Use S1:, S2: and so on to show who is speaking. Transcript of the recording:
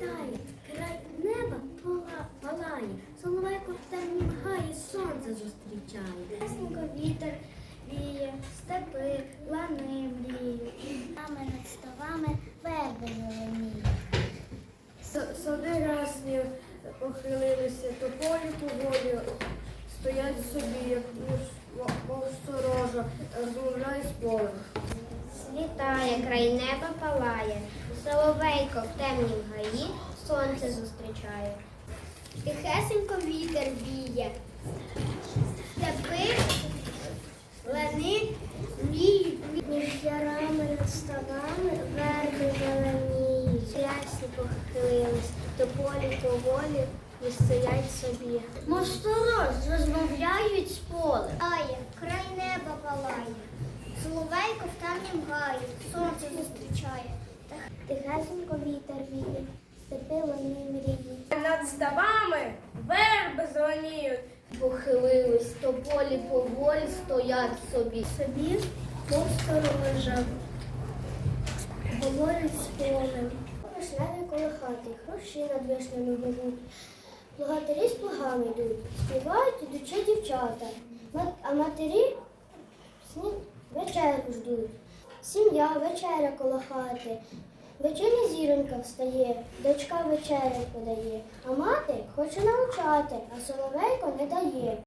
S1: літає, край неба палає, соловейко в темнім гаї сонце зустрічає. Ясненько вітер віє, степи, лани мріють, нами над ставами верби зеленіють.
S2: Сади рясні похилилися, тополі поволі стоять собі, як мов сторожа, розмовляє з полем.
S1: Світає, край неба палає, соловейко в темнім гаї сонце зустрічає. Тихесенько вітер віє, степи, лани мріють. Між ярами над ставами верби зеленіють. Ясні похилились, тополі поволі і стоять собі. Мов сторож розмовляють з полем. Ає, край неба палає, соловейко в темнім гаї сонце зустрічає. Тихесенько вітер віє, степи лани мріють.
S2: Над ставами верби зеленіють.
S1: Похилились, тополі поволі стоять собі. Собі мов сторожа, говорять з полем. Вишневі коло хати, хрущі над вишнями гудуть. Плугатарі з плугами йдуть, співають ідучі дівчата, а матері вечерку ждуть. Сім'я вечеря коло хати, вечірня зіронька встає, дочка вечерю подає, а мати хоче навчати, а соловейко не дає.